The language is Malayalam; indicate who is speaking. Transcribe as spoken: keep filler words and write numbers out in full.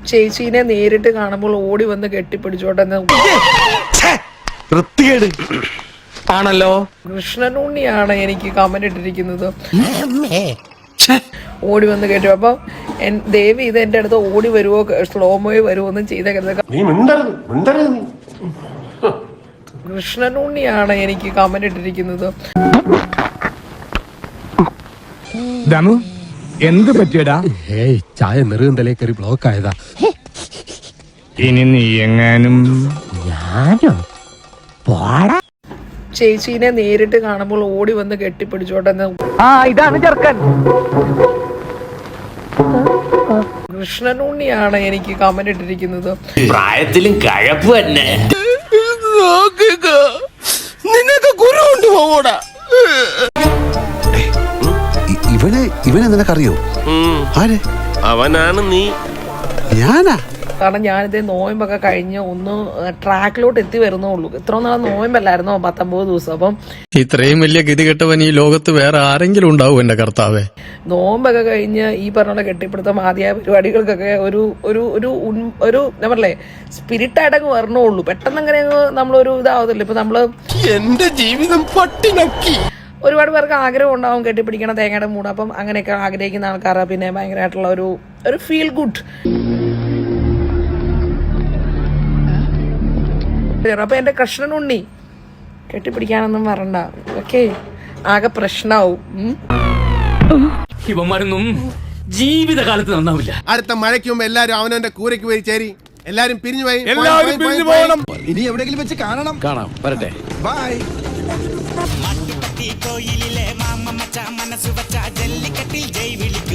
Speaker 1: ചേച്ചീനെ നേരിട്ട് കാണുമ്പോൾ ഓടി വന്ന് കെട്ടിപ്പിടിച്ചോട്ടെ
Speaker 2: ആണല്ലോ.
Speaker 1: കൃഷ്ണനുണ്ണിയാണ് എനിക്ക് കമന്റ് ഇട്ടിരിക്കുന്നത്. ഓടി വന്ന് കെട്ടി അപ്പൊ ദേവി ഇത് എന്റെ അടുത്ത് ഓടി വരുവോ സ്ലോമോയോ വരുവോ ഒന്നും ചെയ്തേക്കരുത്. കൃഷ്ണനുണ്ണിയാണ് എനിക്ക് കമന്റ് ഇട്ടിരിക്കുന്നത്.
Speaker 3: ദമു എന്ത് പറ്റിയടാ?
Speaker 4: ഏയ് ചായ നെറുകന്തലേ കയറി ബ്ലോക്ക് ആയതാ.
Speaker 3: ഇനി നീ എങ്ങാനും
Speaker 4: ഞാനോ പോടാ.
Speaker 1: ചേച്ചീനെ നേരിട്ട് കാണുമ്പോൾ ഓടി വന്ന് കെട്ടിപ്പിടിച്ചോട്ടെ.
Speaker 2: ആ ഇതാണ് ചെറുക്കൻ.
Speaker 1: കൃഷ്ണനുണ്ണിയാണ് എനിക്ക് കമന്റ് ഇട്ടിരിക്കുന്നത്.
Speaker 5: പ്രായത്തിലും കഴപ്പ് തന്നെ.
Speaker 4: നിനക്ക് ഗുരു ഉണ്ട് പോടാ. ഇവനെ ഇവനെ നിനക്കറിയോ? ആരെ?
Speaker 5: അവനാണ് നീ.
Speaker 4: ഞാനാ?
Speaker 1: കാരണം ഞാനിതേ നോയമ്പൊക്കെ കഴിഞ്ഞ് ഒന്ന് ട്രാക്കിലോട്ട് എത്തി വരുന്നുള്ളൂ. ഇത്ര നാളെ നോയമ്പല്ലായിരുന്നോ പത്തൊമ്പത് ദിവസം. അപ്പം
Speaker 6: ഇത്രയും വലിയ ഗതികെട്ടവൻ ഈ ലോകത്ത് വേറെ ആരെങ്കിലും ഉണ്ടാവും എന്റെ കർത്താവേ.
Speaker 1: നോമ്പൊക്കെ കഴിഞ്ഞ് ഈ പറഞ്ഞ കെട്ടിപ്പിടുത്തം ആദ്യ പരിപാടികൾക്കൊക്കെ ഒരു ഒരു ഒരു ഒരു എന്താ പറയല്ലേ സ്പിരിറ്റായിട്ടങ്ങ് വരണുള്ളൂ. പെട്ടെന്ന് അങ്ങനെ അങ്ങ് നമ്മളൊരു ഇതാവത്തില്ല. ഇപ്പൊ നമ്മള്
Speaker 4: എന്റെ ജീവിതം പട്ടിണക്കി.
Speaker 1: ഒരുപാട് പേർക്ക് ആഗ്രഹം ഉണ്ടാവും കെട്ടിപ്പിടിക്കണം തേങ്ങയുടെ മൂട്. അപ്പം അങ്ങനെയൊക്കെ ആഗ്രഹിക്കുന്ന ആൾക്കാരാ പിന്നെ ഭയങ്കരമായിട്ടുള്ള ഒരു ഒരു ഫീൽ ഗുഡ്. അപ്പൊ എന്റെ കൃഷ്ണനുണ്ണി കെട്ടിപ്പിടിക്കാനൊന്നും വരണ്ട. ഓക്കെ, ആകെ പ്രശ്നാവും.
Speaker 7: ഇവന്മാരൊന്നും ജീവിതകാലത്ത് നന്നാവില്ല.
Speaker 8: അടുത്ത മഴയ്ക്ക് മുമ്പ് എല്ലാരും അവനവന്റെ കൂരയ്ക്ക് പോയി ചേരി. എല്ലാരും പിരിഞ്ഞു പോയി.
Speaker 3: എല്ലാവരും പിരിഞ്ഞു പോകണം.
Speaker 4: ഇനി എവിടെയെങ്കിലും വെച്ച് കാണണം.
Speaker 6: കാണാം, വരട്ടെ.
Speaker 4: ബൈ.
Speaker 9: കോയിലിലെ മാമ മച്ച മനസ്സ് വച്ച ജല്ലിക്കട്ടിൽ ജയ് വിളിക്കും.